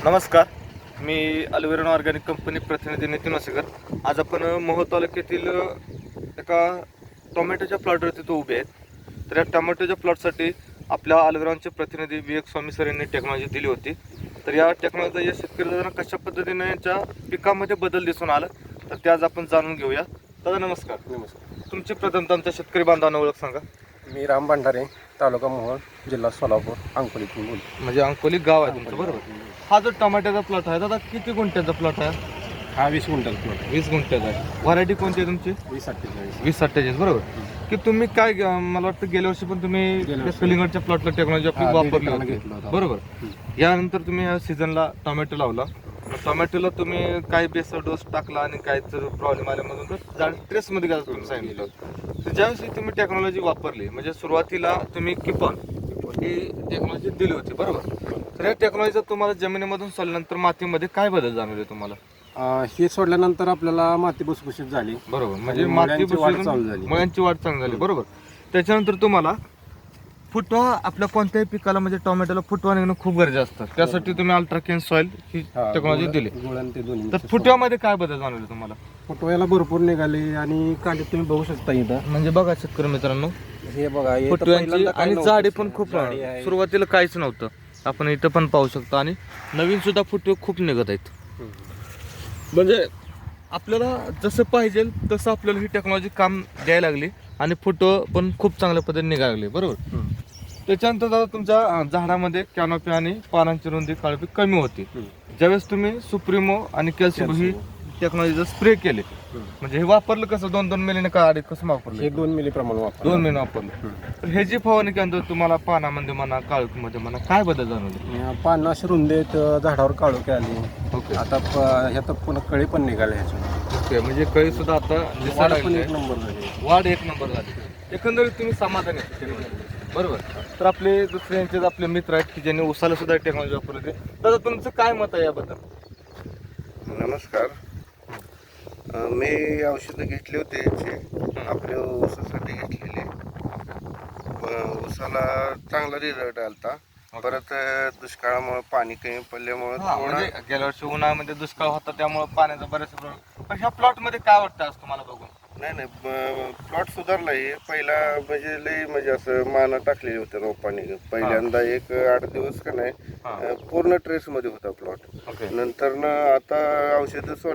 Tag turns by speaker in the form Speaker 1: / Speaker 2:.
Speaker 1: नमस्कार, मी अल्वेरॉन organic company प्रतिनिधी नितीन वासेकर. आज आपण मोहोळ तालुक्यातील एका टोमॅटोच्या प्लॉटवरती तो उभे आहेत. तर या टोमॅटोच्या प्लॉटसाठी आपल्या अल्वेरॉनचे प्रतिनिधी विवेक स्वामी सर यांनी टेक्नॉलॉजी दिली होती. तर या टेक्नॉलॉजी या शेतकऱ्यांना कशा पद्धतीने यांच्या पिकामध्ये बदल दिसून आला तर ते आज आपण जाणून घेऊया. दादा नमस्कार.
Speaker 2: नमस्कार.
Speaker 1: तुमची प्रथमतः आमच्या शेतकरी बांधवांना ओळख सांगा.
Speaker 2: मी राम भंडारे, तालुका मोहोळ, जिल्हा सोलापूर, अंकोलीतून बोलतो.
Speaker 1: म्हणजे अंकोली गाव आहे तुमचं, बरोबर. हा जो टोमॅटोचा प्लॉट आहे दादा, किती गुंठ्याचा प्लॉट आहे?
Speaker 2: हा 20 क्विंटल प्लॉट.
Speaker 1: 20 गुंठ्याचा आहे. व्हरायटी कोणती आहे तुमची?
Speaker 2: 2048.
Speaker 1: 2047, बरोबर. की तुम्ही काय मला वाटतं गेल्या वर्षी पण तुम्ही कलिंगडच्या प्लॉटला टेक्नॉलॉजी आपली वापरली होती, बरोबर. यानंतर तुम्ही या सीझनला टोमॅटो लावला. टोमॅटोला तुम्ही काय बेसर डोस टाकला आणि काय जर प्रॉब्लेम आल्यामधून तर झाड ट्रेसमध्ये गेला तुम्ही सांगितलं. तर ज्यावेळेस तुम्ही टेक्नॉलॉजी वापरली, म्हणजे सुरुवातीला तुम्ही किपॉन ही टेक्नॉलॉजी दिली होती, बरोबर. तर या टेक्नॉलॉजीचा तुम्हाला जमिनीमधून सोडल्यानंतर मातीमध्ये काय बदल जाणवले तुम्हाला?
Speaker 2: हे सोडल्यानंतर आपल्याला माती भुसभुशीत झाली,
Speaker 1: बरोबर. म्हणजे
Speaker 2: मुळ्यांची
Speaker 1: माती
Speaker 2: वाढ चालू झाली.
Speaker 1: मुळ्यांची वाढ चांगली झाली, बरोबर. त्याच्यानंतर तुम्हाला फुटवा आपल्या कोणत्याही पिकाला म्हणजे टोमॅटोला फुटवा निघणं खूप गरजेचं असतं. त्यासाठी तुम्ही अल्ट्राकेन सॉइल ही टेक्नॉलॉजी दिली.
Speaker 2: ते दोन्ही.
Speaker 1: तर फुटव्यामध्ये काय बदल जाणवले तुम्हाला?
Speaker 2: फुटव्याला भरपूर निघाले आणि कांडे तुम्ही बघू शकता इथं.
Speaker 1: म्हणजे बघा शेतकरी मित्रांनो,
Speaker 2: हे बघा, हे तर
Speaker 1: फुटव्यांची
Speaker 2: पहिल्यांदा काय
Speaker 1: आणि
Speaker 2: नव्हतं.
Speaker 1: जाडी पण खूप
Speaker 2: जाडी आहे.
Speaker 1: सुरुवातीला काहीच नव्हतं. आपण इथं पण पाहू शकतो आणि नवीन सुद्धा फुटवे खूप निघत आहेत. म्हणजे आपल्याला जसं पाहिजे तसं आपल्याला ही टेक्नॉलॉजी काम द्यायला लागली आणि फोटो पण खूप चांगल्या पद्धतीने निघायला लागले, बरोबर. त्याच्यानंतर दादा तुमच्या झाडामध्ये कॅनोपी आणि पानांची रुंदी काळपी कमी होती. ज्यावेळेस तुम्ही सुप्रीमो आणि कॅल्शियम ही टेक्नॉलॉजी स्प्रे केले, म्हणजे हे वापरलं कसं 2-2 मिलीने का अडीच कसं वापरलं?
Speaker 2: हे 2 मिली प्रमाण वापर.
Speaker 1: 2 मिली वापरलं. तर हे जी फवारणी केल्यानंतर तुम्हाला पानामध्ये म्हणा काळोखीमध्ये म्हणा काय बदल जाणवले?
Speaker 2: पानं अशी रुंद आहेत, झाडावर काळोखी आली.
Speaker 1: ओके
Speaker 2: आता ह्यात पुन्हा कळी पण निघाले ह्याच्यात.
Speaker 1: ओके. म्हणजे कळी सुद्धा आता दिसायला
Speaker 2: वाढ पण
Speaker 1: लागली.
Speaker 2: एक नंबर झाली.
Speaker 1: वाढ एक नंबर झाली. एकंदरीत तुम्ही समाधानी आहे, बरोबर. तर आपले दुसऱ्यांचे आपले मित्र आहेत की ज्यांनी उसाला सुद्धा टेक्नॉलॉजी वापरली होती. दादा तुमचं काय मत आहे याबद्दल?
Speaker 3: नमस्कार. मी औषधं घेतली होती याची आपल्या ऊसासाठी घेतलेली. ऊसाला चांगला रिझल्ट आलता. परत दुष्काळामुळे पाणी कमी पडल्यामुळे
Speaker 1: म्हणजे गेल्या वर्षी उन्हाळ्यामध्ये दुष्काळ होता त्यामुळे पाण्याचा बरेच प्रॉब्लेम. पण ह्या प्लॉट मध्ये काय वाटतं आज तुम्हाला बघून?
Speaker 3: नाही प्लॉट सुधारला आहे. पहिला म्हणजे लई म्हणजे असं माना टाकलेली होते रोपाने. पहिल्यांदा एक 8 दिवस का नाही पूर्ण ट्रेस मध्ये होता प्लॉट.
Speaker 1: ओके.
Speaker 3: नंतर आता औषधं